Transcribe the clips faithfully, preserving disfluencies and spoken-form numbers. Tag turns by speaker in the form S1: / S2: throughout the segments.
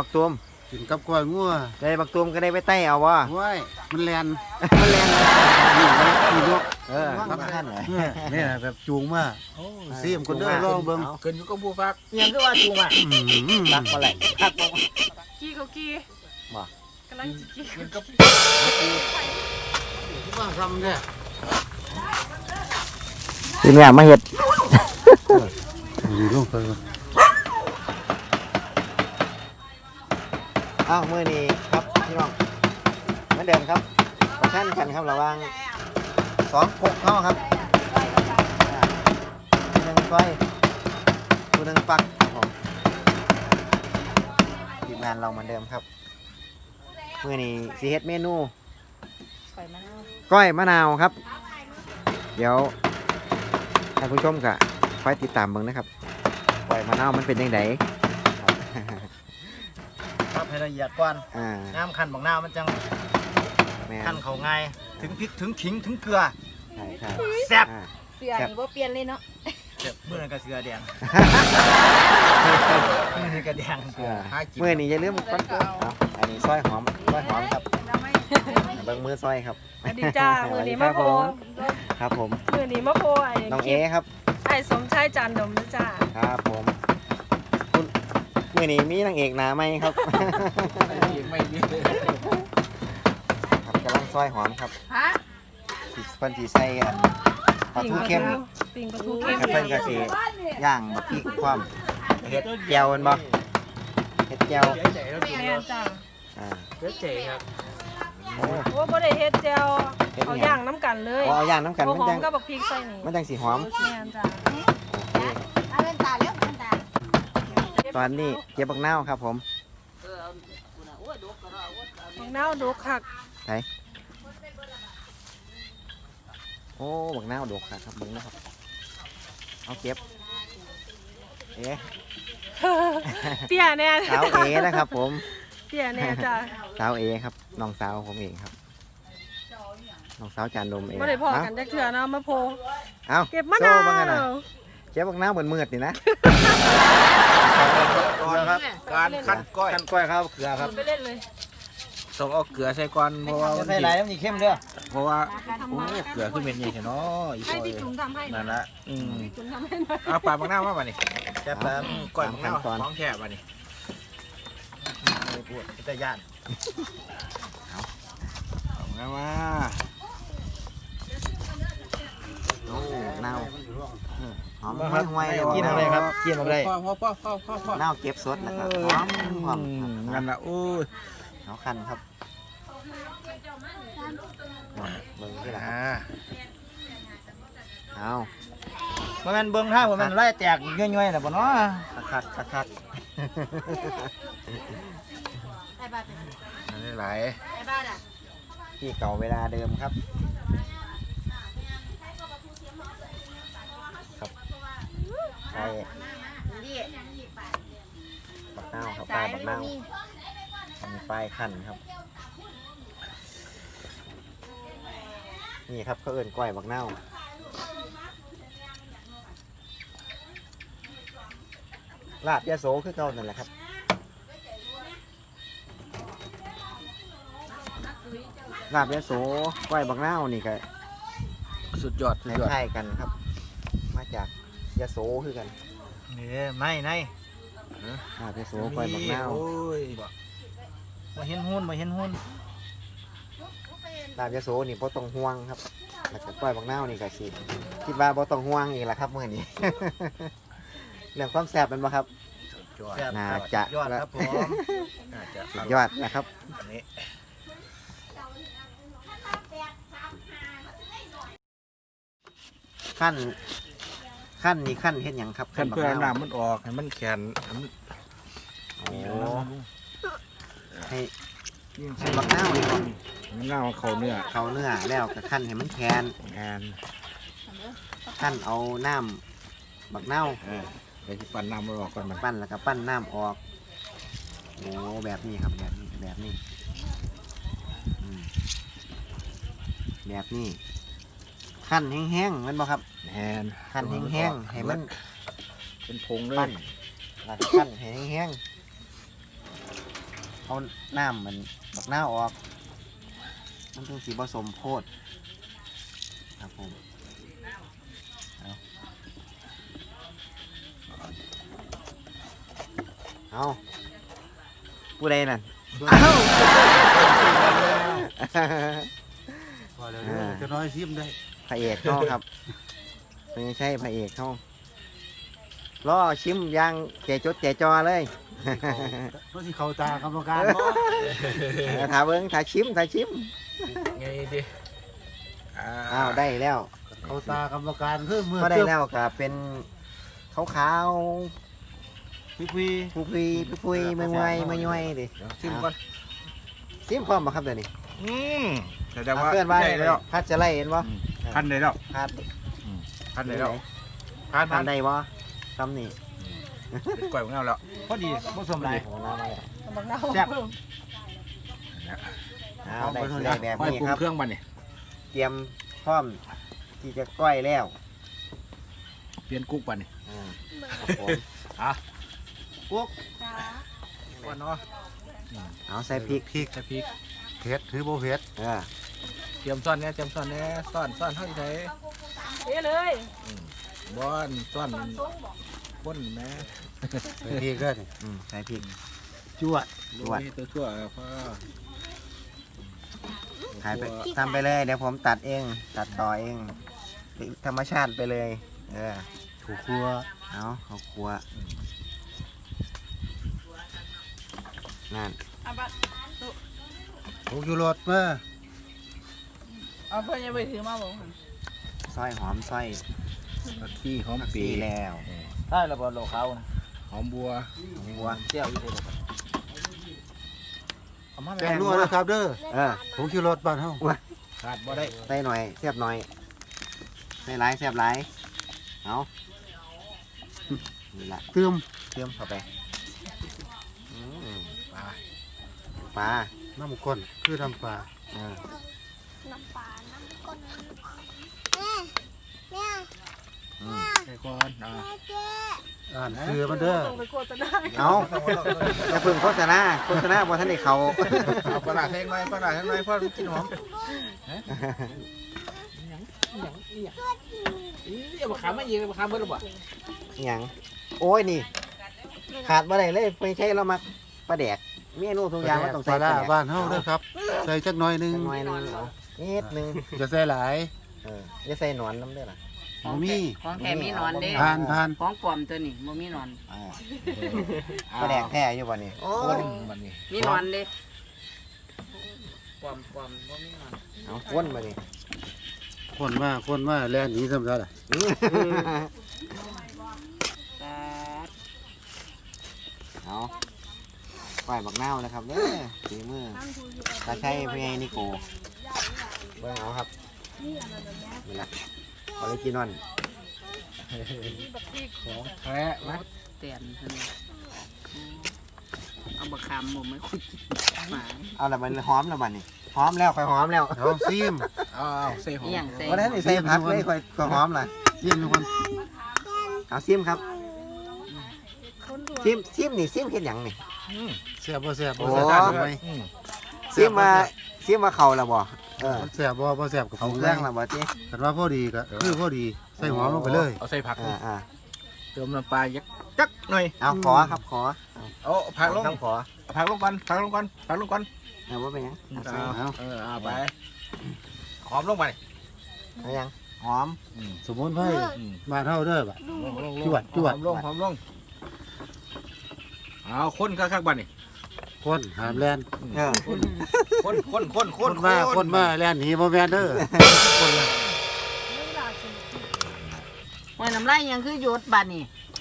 S1: บักตูม
S2: กินกับกล้วยงัว
S1: ได้บักตูมก็ได้ไปไต่เอาวะ
S2: ว้ายมันแลน
S1: มันแรง
S2: นี่มันขี่นก
S1: เออครับท่าน
S2: นี่แบบจูงมาซีมคนเด้อลองเบิ่ง
S3: เกินอยู่กับผู้ฟัก
S1: ยังคือว่าจูงอ่ะตักมาไหลตักมา
S4: กี้เขากี้
S1: บ่
S4: กำลังจะกี้
S3: กินกับ
S2: ที่บ้านทำเนี่ย
S1: ทีนี้มาเห็ด
S2: อยู่ลงไป
S1: อ้าวมือนี้ครับพี่น้องเหมือนเดิมครับประชันกันครับระหว่างสองกกเข้าครับผู้หนึ่งไฟผู้หนึ่งปักครับผมทีมงานเราเหมือนเดิมครับมือนี้สีเฮ็ดเมนูก้อยมะนาวครับเดี๋ยวท่านผู้ชมก็คอยติดตามเบิ่งนะครับก้อยมะนาวมันเป็นยังไง
S3: ครับให้ละเอียดก่อนน้ำคั้นบักนาวมันจังคั้นเขาง่ายถึงพริกถึงขิงถึงเกลือ
S1: ใช่ใช่
S3: แซ่บ
S4: เสือนี่ว่าเปลี่ยนเลยเนาะ
S3: เจ็บมือกับเสือแดงมือนี่กับแดง
S1: มือนี่อย่าลืมก้อนเอาอันนี้ซอยหอมซอยหอมครับเบิ่งมือซอยครับ
S4: สวัสดีจ้ามือนี้มะโพ
S1: ครับผม
S4: มือนี้มะโพไอ้
S1: น้องเอครับ
S4: ไอ้สมชายจันดมนะจ้า
S1: ครับผมคุณมือนี้มีนางเอกหน้าไหมครับ
S3: ไม่มี
S1: ครับกำลังซอยหอมครับเพิ่นสีใส่อันปลาทูเข้ม
S4: ปิ่งปลาทูเข้ม
S1: เพิ่นก็สิย่างบักพริกความเฮ็ดแจ่วมันบ่เฮ็ดแจ่ว
S4: แม่จ้า
S1: อ่า
S3: เฮ็ดเจ๋ครับ
S4: โอ้บ่ได้เฮ็ดแจ่วเอาย่างน้ำกันเลย
S1: เอาย่างน้ำกัน
S4: มันจังกับบักพริกใส่นี่
S1: มันจังสิหอม
S4: แม่จ้า
S1: เอาเป็นตาแล้วเป็นตาตอนนี้เก็บบักนาวครับผม
S4: บักนาวดกคัก
S1: ไหนโอ้บักนาวดกคักครับเบิ่งนะครับเอาเก็บเอ๊ะ
S4: เตี้ยแน่
S1: สาวเอนะครับผม
S4: เตี้ยแน่จ้า
S1: สาวเอครับน้องสาวผมเองครับน้องสาวจานดมเอง
S4: ไม่ได้พอกันจักเถื่อนะมะโพ
S1: เอา
S4: เก็บมะนาว
S1: เก็บบักนาวเหมือนมืดนี่นะ
S3: ก่อนครับการขั้นก้อย
S1: ขั้นก้อยครับเกลือครับ
S4: ไปเล่นเลย
S3: ต้องเอาเกลือใส่ก่อนเพราะว่า
S1: ใส่หลายแล้วมันเข้มเด้อ
S3: เพราะว่าโอ้เกลือขึ้นเป็นยังไงเนาะ
S4: ให้พี่จุ๋มทำให้
S3: นั่นละอืม
S4: พี่จุ๋มทำให้หน่อย
S3: เอาปลาบางหน้ามาป่ะนี่แซ่บแล้วก้อยบางหน้าของแค่ป่ะนี่ปวดจะย่านเอาเอาไงวะ
S1: โอ้เน่าหอมห่วยๆ
S3: กินอะไรครับกินอะไรพ่อพ่อพ่อพ่อพ่อพ่อ
S1: เน่าเก็บสดนะครับหอมหอม
S3: งั้นละโอ้ย
S1: เอาคันครับเบิ้งที่ไหนเอา
S3: เมื่อมันเบิ้งท่าว่ามันไล่แตกย่อยๆนะบ่เนาะ
S1: คัดคัดคัด
S3: นี่ไหล
S1: ที่เก่าเวลาเดิมครับครับใช่บักเน่าครับปลายบักเน่ามีปลายขั้นครับนี่ครับเขาเอิ้นก้อยบักเน่าลาบยาโสคือเก่านั่นแหละครับลาบยาโสก้อยบักเน่านี่ก็
S3: สุดยอดสุดยอด
S1: คล้ายกันครับมาจากยาโสคือกัน
S3: นี่ไม่ใน
S1: ลาบยาโสก้อยบักเน่า
S3: มาเห็นหุ้นมาเห็นหุ้น
S1: ลาบยาโสนี่บ่ต้องห่วงครับแล้วก็ก้อยบักเน่านี่ก็สิคิดว่าบ่ต้องห่วงอีกแหละครับมื้อนี้เรื่องความแซ่บมันบ่ครับน่าจะ
S3: ยอดครับผมน่าจะ
S1: ยอดนะครับ
S3: อันนี้
S1: ขั้นขั้นนี่ขั้นเฮ็ดหยังครับ
S3: ขั้นเพื่อน้ำมันออกให้มันแข็ง
S1: โอ้ให้ให้บักเน่านี่ก่อน
S3: มันเน่าเขาเนื้อ
S1: เขาเนื้อแล้วก็ขั้นให้มันแข็ง
S3: แข็ง
S1: ขั้นเอาน้ำบักเน่า
S3: ไปที่ปั้นน้ำมันออกก่อนมัน
S1: ปั้นแล้วก็ปั้นน้ำออกโอ้แบบนี้ครับแบบนี้แบบนี้แบบนี้ขั้นแห้งๆมันบ่ครับ
S3: แหน
S1: ขั้นแห้งๆให้มัน
S3: เป็นผงเลย
S1: ปั้นแล้วขั้นให้แห้งเอาน้ำมันบักหน้าวออกมันต้องสีผสมโพดครับผมเอาเอาผู้ใดนั่น
S2: พอแล้วเด้อจะน้อยซิมได้
S1: พระเอกเขาครับไม่ใช่พระเอกเขาล่อชิมอยางแจจดแจจอเลย
S2: เพราะที่เขาตากรรมการบ่
S1: เออถ่าเบิ้งถ่าชิมถ่าชิม
S5: ไงดิ
S1: อ้าวได้แล้ว
S2: เขาตากรรมการเพิ่มมือ
S1: ก็ได้แล้วครับเป็นขาวขาว
S2: พี่พี่
S1: ๆผู้พีผู้พุยมือมวยมือย่อยดิ
S5: ชิมก่อน
S1: ซิมพร้อมบ่ครับเดี๋ยวนี้
S5: อืมแสดงว่า
S1: เพื่อนว่า
S5: ใช่แล้ว
S1: พัดจะไล่เห็นบ่
S5: พันได้แล้ว
S1: พัด
S5: พันได้แล้วพัน
S1: พั
S5: พั
S1: น
S5: น
S1: ได้บ่คำนี้
S5: เป็นกล้วยของเราแล้ว
S3: พอดีผสมหลาย
S1: โอ้น้ำมาแล้ว
S4: บักนาว
S3: แซ่บ
S1: เอาได้สิได้แบบ
S5: ค่อย
S1: นี้
S5: ปรุง
S1: ครับ
S5: เครื่องมันนี่
S1: เตรียมพร้อมที่จะก้อยแล้ว
S5: เปลี่ยนกุ๊กปันนี่
S1: อ่าครับผม
S5: อ่ะ
S1: กุ๊ก
S4: จ้า
S5: ก่อนเนาะ
S1: เอาใส่พริก
S2: พริก
S5: ใส่พริก
S2: เผ็ดหรือบ่เผ็ด
S1: เออ
S5: เตรียมซ่อนเนี่ยเตรียมซ่อนเนี่ยซ่อนซ่อนเท่าไหร่
S4: เอ้เลย
S5: บอนซ่อนก้นนะ
S2: ใส่พริกเด้อนี่
S1: อืมใส่พริก
S2: จวด
S5: ดูนี่ตัวชั่วพ่อ
S1: ถ่ายไปทำไปเลยเดี๋ยวผมตัดเองตัดต่อเองธรรมชาติไปเลยเออ
S2: ถูกครัว
S1: เอาเขาครัวนั่น
S4: เอาบัด
S2: ถูกอยู่รถมา
S4: เอาเพิ่นยังไปถือมาบ่หั่น
S1: ซอยหอมซอย
S5: ผักขี้หอม
S1: ผัก
S5: ปี
S1: ชีแล้ว
S3: ได้ระเบิดโลเขานะ
S5: หอมบัว
S1: บัว
S3: เจียวอยู่เลยเอามา
S2: แกงนัวนะครับเด้อ
S1: เออ
S2: ผงชูรสบ้านเฮา
S5: ขาดบ่ได้
S1: ใส่หน่อยเสียบหน่อยใส่หลายเสียบหลายเอานี่ละ
S2: เติม
S1: เติมเข้าไปอืม
S5: ปลา
S1: ปลา
S2: น้ำข้นคือน้ำปลา
S1: เออ
S6: น้ำปลา น้ำก้นแม่
S1: อืม
S5: ใส่ก่อนอ่า
S6: แม่เจ๊
S2: อ่านคือมันเด้อ
S4: ต้องไปโฆษณา
S1: เอาอย่าเพึ่งโฆษณาโฆษณาบ่ทันได้เขา
S5: เอาปลาร้าแทงหน่อยปลาร้าแทงหน่อยพ่อมันกินหอมอีเอามาขามไม่ยิงเอามาขามเบิ้ลหรือเปล่า
S1: อหย่างโอ้ยนี่ ขาดบ่ได้เลยไม่ใช่เรามักปลาแดกเมนูทุกอย่างมันต้อง
S2: ป
S1: ใส่
S2: ลา
S1: ปลา
S2: ร้า
S1: แดก
S2: บ้านเฮาเด้อครับ ใส่จักหน่อยหนึง
S1: จักหน่อยหนึงเอานิดหนึง
S2: จะใส่หลาย
S1: เอออย่าใส่หนอนน้ำเด้อล่ะ
S2: บ่มี
S7: ของแท้มีหนอนเด้
S2: ผ่านผ่าน
S7: ของปลอมตัวนี้บ่มีหนอน
S1: อ่าปลาแดกแท้อยู่บ่นี่โอ้
S5: คน
S1: ย
S5: มันนี่
S7: มีหนอนเด้ปลอมปลอมบ่มีหนอน
S1: เอาวนมานี่
S2: คนมาคนมาแล่นหนีซ้ำซะล่ะ
S7: ปลา
S1: เอาปล่อยบักนาวนะครับเด้อฝีมือตาใช้พี่ไงนิโกเบิ่งเอาครับนี่ล่ะออริจินอล
S5: ของแท้นะ
S7: เตียนเพิ่นเอาบักขามหมูไม่คุยหมา
S1: เอาละมันหอมแล้วบัดนี่หอมแล้วค่อยหอมแล้ว
S2: เอาซิม
S5: เอาเอาใส่หอ
S7: อี
S5: ม
S7: หยังใส่
S1: วันนั้นนี่ใส่ผักเลยค่อยค่อยหอมล่ะ
S2: ซิมทุกคน
S1: เอาซิมครับ
S4: คนตัว
S1: ซิมซิมนี่ซิมเฮ็ดหยังนี่
S2: แซ่บบ่แซ่บบ่
S1: โอ้
S2: แซ่บไหม
S5: อืม
S1: ซิมมาซิมมาเข้าแล้วบ่เออ
S2: มันแซ่บบ่บ่แซ่บกับ
S1: เข้า
S2: ผม
S1: เค
S2: เล
S1: รื่อย งแล้วบ่ติ
S2: แต่ว่าพอดีก็คือพอดีใส่หอมลงไปเลย
S5: เอาใส่ผัก
S1: อ่าอ่า
S5: เติมน้ำปลายักจักหน่อย
S1: เอาขอครับขอ
S5: เอาผักลง
S1: ครับขอ
S5: เอาผักลงก่อนผักลงก่อนผักลงก่อน
S1: เอาว่าเป็นหยังเอาใส่
S5: เอาเออเอาไปหอมลงไป
S1: เอายังหอม
S2: สมุนไพร
S5: อืม
S2: บ้านเฮาเด้อบัด
S5: ลงลง
S2: จวดจวด
S5: หอมลงหอมลงเอาคนคักๆบ้านนี่
S2: คนหามแล่น
S1: เออ
S5: คนคนคนคน
S2: คนมาคนมาแล่นหนีบ่แม่นเด้อ
S7: โอ้ยน้ำลายยังคือหยดบัดนี่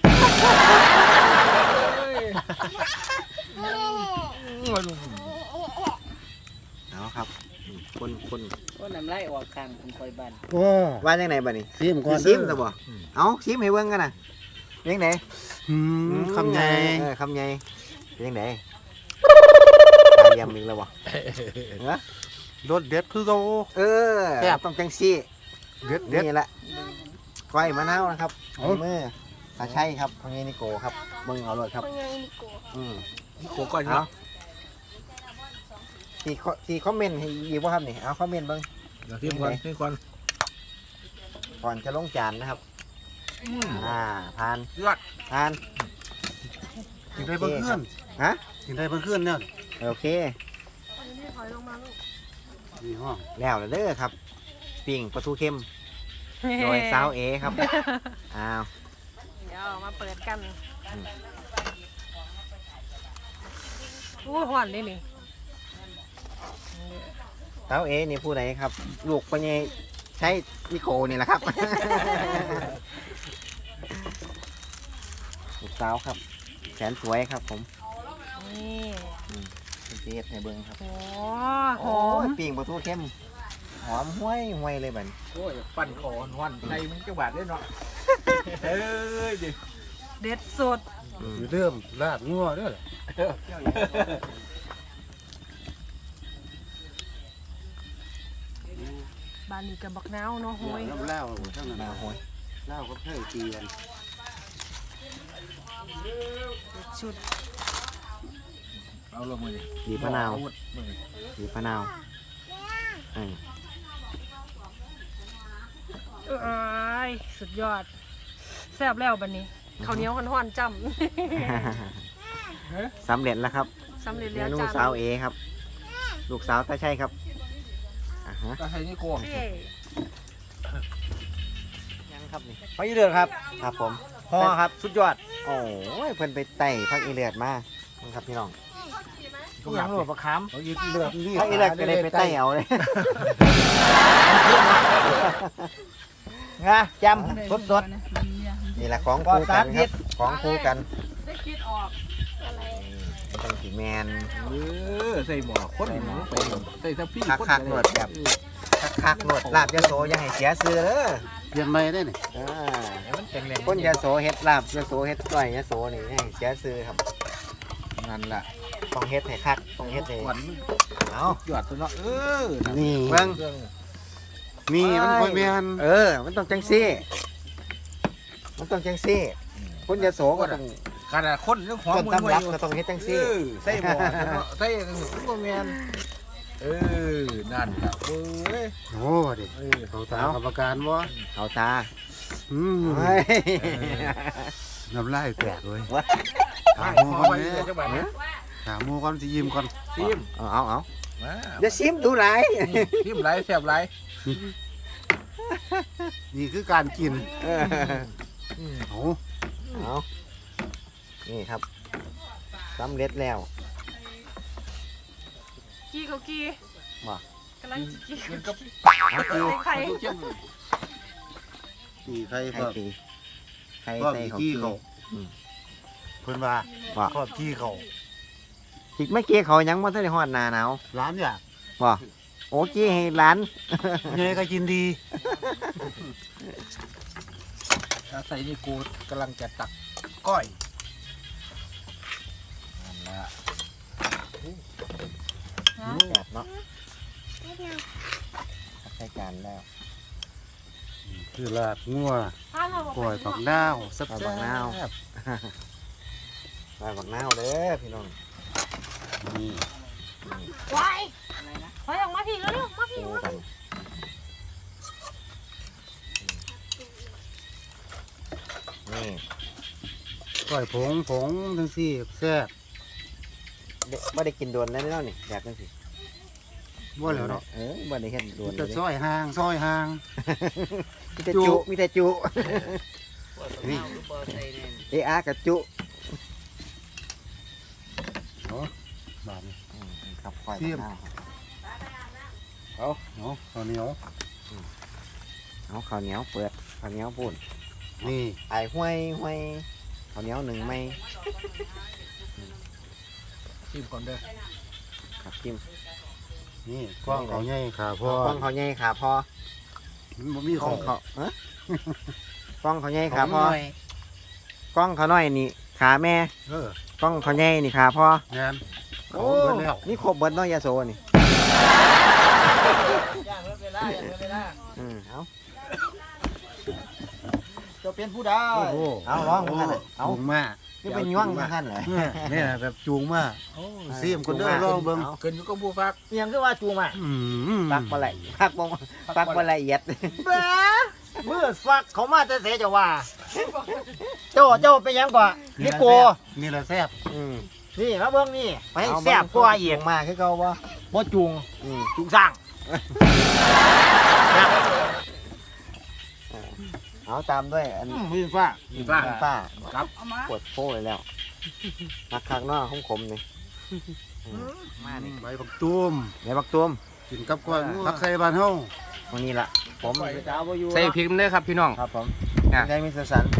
S1: เอาครับอืมคนคน
S7: โอ้ยน้ำลายออกข้างผมคอยบัน
S2: โอ้
S1: ว่าจังไหนบัดนี้
S2: ซิมก่อน
S1: ซิ
S2: เด้
S1: ม
S2: อ
S1: ซะบ่เอาซิมให้เบิ่งกันน่ะเป็นจังได
S2: อืมคำใหญ่
S1: เออคำใหญ่เป็นจังไดตาเยี่ยมอีกแล้วบ่เออ
S2: รสเด็ดคือเก่า
S1: เออ
S2: แซ่บ
S1: ต้องจังซี่
S2: เด็ดเด็ด
S1: นี่แหละก้อยมะนาวนะครับ
S2: เอา
S1: มือตาใช่ครับพงนี้นิโกครับเบิ่งเอาเลยครับ
S6: คนยังมีกู
S1: อืม
S5: โกก่อน
S1: เอา
S5: เนาะ
S1: ที่ที่คอมเมนต์ให้อีกบ่ครับนี่เอาคอมเมนต์เบิ่ง
S5: เดี๋ยวที่ก่อนที่ก่อน
S1: ก่อนจะลงจานนะครับอ่าผ่าน
S5: ยอด
S1: ผ่าน
S2: กินได้เพิ่นขึ้น
S1: ฮะ
S2: กินได้เพิ่นขึ้นเนี่ย
S1: โอเค
S4: นี่ถอยลงมาลูก
S2: นี่ห้อง
S1: แล้วเด้อครับปิ้งปลาทูเค็มโดยสาวเอครับอ้าว
S4: เดี๋ยวมาเปิดกัน
S1: อืม
S4: อู้หวานเลยนี่
S1: สาวเอนี่ผู้ใดครับ ลูกปัญญใช้นิโคนี่แหละครับ ลูกสาวครับแสนสวยครับผม
S4: นี่
S1: เป็นเจ็ดในเบิ้งครับ
S4: โอ้ห
S1: โอ้
S4: อม
S1: ยปิ้งปลาทูเค็มหอมห้วยห้วยเลยบัดนี้
S5: โอ้ยปั่นคอหวันใจมึงจะบาดได้เนาะเอ้ยดิ
S4: เด็ดสุด
S1: อืม
S2: อยู่เริ่มลาดงัวเด้อ
S4: บานนี้กับบักนาวเนาะโหย
S2: น้ำเล่าทั้งนั้น
S1: มาห้วย
S2: เล่าก็เคยตีกัน
S4: เด็ดชุด
S5: เอาลงมือ
S1: บีบมะนาว
S5: มือ
S1: บีบมะนาวอืม
S4: เอ้ยสุดยอดแซ่บแล้วบัดนี้ข้าวเหนียวห่อนๆจ้
S1: สำเร็จแล้วครับ
S4: ำสำเร็จ
S1: เม
S4: แล้ว
S1: นู
S4: จ้า
S1: สาวเอครับ ลูกสาวตาใช่ครับอ่าฮะ
S5: ก็ใช้นี่โกง
S4: เฮ้
S1: ยังครับนี่
S3: พออีเดือดครับ
S1: ครับผม
S3: ห่อครับสุดยอด
S1: โอ้ยเพิ่นไปไต่พักอีเลือดมานี่ครับพี่น้อง
S3: ทุกอย่างรวมประคาม
S2: เขายึดเลือดนี่
S1: พักอีเลือดก็เลยไปไต่เอาเลย
S3: งาจำสดสด
S1: นี่แหละของคู่กันครับของคู่กัน
S4: ได้คิดออก
S1: ตั้งสีแมน
S5: เออใส่หมอคนหมูไปใส่ทับพี่
S1: คักคักๆหนวดแบบคักคักๆหนวดลาบยะโสอยังให้เสียซื้อเด้อ
S2: เปลี่ยนใหม่ได้นี่
S1: อ่า
S5: มันแข็งแรง
S1: คนยะโสเฮ็ดลาบยะโสเฮ็ดก้อยยะโสนี่ให้เสียซื้อครับ
S5: นั่นแหละ
S1: ต้องเฮ็ดให้คักต้องเฮ็ดให้
S5: หวัน
S1: เอา
S5: หยอดตัวเนาะเออ
S2: นี่
S1: เบิ่ง
S2: นี่มันค่อยแม่น
S1: เออ มันต้องจังซี่ มันต้องจังซี่ คนยะโสก็ต้อง
S5: ขนาดคนเรื่องหัว
S1: ต้น
S5: มือ
S1: ตำรับก็ต้องเฮ็ดจังซี่
S5: ใส่หมอใส่ตัวแมนเออนั่นแหละเว้ย
S2: โอ้เด็ก
S5: เออ
S2: เขาตามกรรมการบ่
S1: เอาตา
S2: อืม
S1: เฮ้ย
S2: น้ำลายแตกเลย
S1: วะ
S2: ถา
S5: ไม่
S2: มหมู
S5: พอ
S2: ก่อน
S5: ไป
S2: เนี่ย
S5: จังหวัดนะ
S2: ถามหมูก่อนสิยิ้มก่อน
S5: ซิม
S1: เอาเอาเอา
S5: มา
S1: อย่าซิมดูหลาย
S5: ซิมไรแซ่บไร
S2: นี่คือการกิน
S1: เออ
S2: โอ้
S1: เอานี่ครับสำเร็จแล้ว
S4: กี้เขากี้
S1: บ่
S4: กำลังจะกี้
S5: กินกับ
S1: เอาตี
S4: ไข่
S5: ทุกเข้ม
S2: ตีใคร
S1: ไข่
S2: ก็
S1: ตีไข่
S2: ก็
S1: ใส่
S2: มี
S1: เขา
S2: ขี้
S1: ตี
S2: เขาเพิ่นว่า
S1: ว่า
S2: ครอบขี้เขา
S1: จิกไม่เกี้เขายังมาทันได้ฮอดหนาหนาว
S2: ร้านอยาก
S1: บ่โอ้กี้ให้ร้าน
S2: ยังไงก็กินดี
S5: ใส่นี่กูกำลังจะตักก้อยนั่นแหละ
S1: แซ่บเนาะใส่จานแล้ว
S2: คือลาดงัว
S4: ถ้าเราบอก
S2: ปล่อยปักดาวสับ
S1: ปล่อยปักดาว
S2: แซ่บ
S1: มาบักนาวเด้อพี่น้อง
S2: นี่
S4: วายถอยออกมาพี่เร็วๆมาพี่
S1: คู่กันนี่
S2: ก้อยผงผงทั้งสี่แซ่บ
S1: เด็กบ่ได้กินโดนแล้วเนาะนี่แบบจังซี่
S2: บ่แล้วเนาะ
S1: เออบ่ได้เฮ็ดโด
S2: มี
S1: น
S2: แต่
S1: เลย
S2: ซอยห่างซอยห่าง
S1: มีแต่
S2: จุ
S1: จุมีแต่จุ
S7: นี่บอใส่แน่
S1: เออากับจุ
S2: เนาะบาดนี้
S1: อืมครับปล่อย
S2: เทียม
S1: บักนาวครับ
S2: เอาเนาะข้าวเหนียว
S1: เอาข้าวเหนียวเปิดข้าวเหนียวปุ่น
S2: นี่
S1: ไอ้ห้วยห้วยข้าวเหนียวหนึ่งไม่
S5: ซิมก่อนเด้อ
S1: ครับจิ้ม
S2: นี่กว้างเขาใหญ่ขาพ่อก
S1: ล้องเขาใหญ่ขาพอ
S2: มันบ่มี
S1: ก
S2: ข
S1: ล้อ
S2: อง ง
S1: เขาเอ๊ะกล้องเขาใหญ่ขาพอกล้องเขาน้อยนี่ขาแม่
S2: เออก
S1: ล้องเขาใหญ่นี่ขาพอง
S2: าน
S1: โอ้
S2: เขาเบิดแล้ว
S1: นี่ครบเบิดเน้อยยาโซนี่
S7: ย่างเวลาย่างเวลา
S1: อืมเอา
S3: จะเป็นผู้ใด
S2: โอ้โห
S1: เอาร้องกันเอา
S2: จูงมา
S1: นี่เป็นย่วงกันเหรอ
S2: เนี่ยแบบจูงมาโอ้ซีมคนเด้อลองเบิ่ง
S5: เกินอยู่กับผู้ฟัก
S3: เอียงคือว่าจูงอ่ะ
S2: อืม
S1: ปักมาละปักบ่ปักมาละเอียด
S3: เบ้เมื่อฟักเขามาจะเสียจะว่าเจ้าเจ้าเป็นยังกว่านี่โก
S2: นี่แหละแซ่บ
S1: อืม
S3: นี่มาเบิ่งนี่ไปให้แซ่บกว่าอีก
S1: มาคือเก่าบ่
S3: บ่จูง
S1: อืม
S3: จูงสร้าง
S1: เอาตามด้วยอัน
S3: มือฟ้า
S5: มีฟ้า
S1: ป้า
S5: ครับ
S1: ปวดโป้เลยแล้วมักคักเนาะขมๆนี่มานี่
S2: ใบบักตูม
S1: ในบักตุ้ม
S2: กินกับกล้วยผักใส่บ้านเฮา
S1: วันนี้ล่ะผม
S3: จ้าบ่อยู่
S5: ใส่พริกเด้อครับพี่น้อง
S1: ครับผม
S5: อ่ะ
S1: ได้มิสเตอร์สัน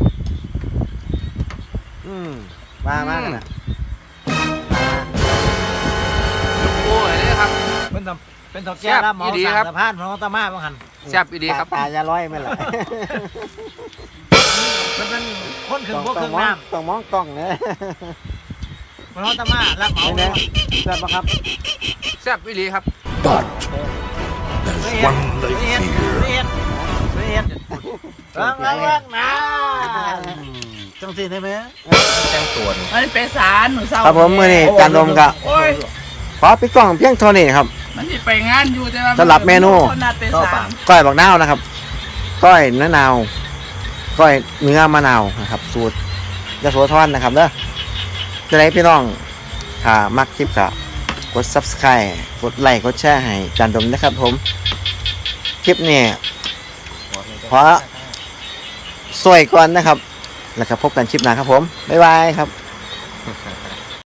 S1: อืมมามากนะ
S5: โอ้ยเลยครับ
S3: เป็นตำเป็นตำแก่รับเหมา
S5: แซ่บอีหลี
S3: สั่ง
S5: ครับ
S3: สะพานของตามาบ่หัน
S5: แซ่บอีดีครับ
S1: ตาจะร้อยไหมล่ะ
S3: มันเป็นคนครึ่งพวกครึ่ง
S1: มอง
S3: น้
S1: ต้องมองกล้องเนอะ
S3: ำของตามารับเหมา
S1: เห็นไหมเพื่อนปะครับ
S5: แซ่บอีดีครับ
S3: เรียนเรียนเรียนเรียนเรื่องเรื่องนะ
S2: อืมจังซี่ได้ไหม
S5: แจ้งตัวนี่
S7: มันเป็นสารหนูเศร้า
S1: ครับผมมือนี่จานลมกะ
S7: โอ้ย
S1: ขอปิดกล้องเพียงเท่านี้ครับ
S7: มันจะไปงานอยู่แต่ว่า
S1: สำหรับเมนู
S7: คนนัดเป็นสาร
S1: ก้อยบักนาวนะครับ ก้อยเนื้อนาว ก้อยเนื้อมะนาวนะครับ สูตรยโสธรนะครับเด้อจะได้พี่น้องถ้ามักคลิปกะกด ซับสไครบ์ กดไลค์ กดแชร์ให้จานดมนะครับผม คลิปนี้ขอสวยก่อนนะครับ แล้วก็พบกันคลิปหน้าครับผม บ๊ายบายครับ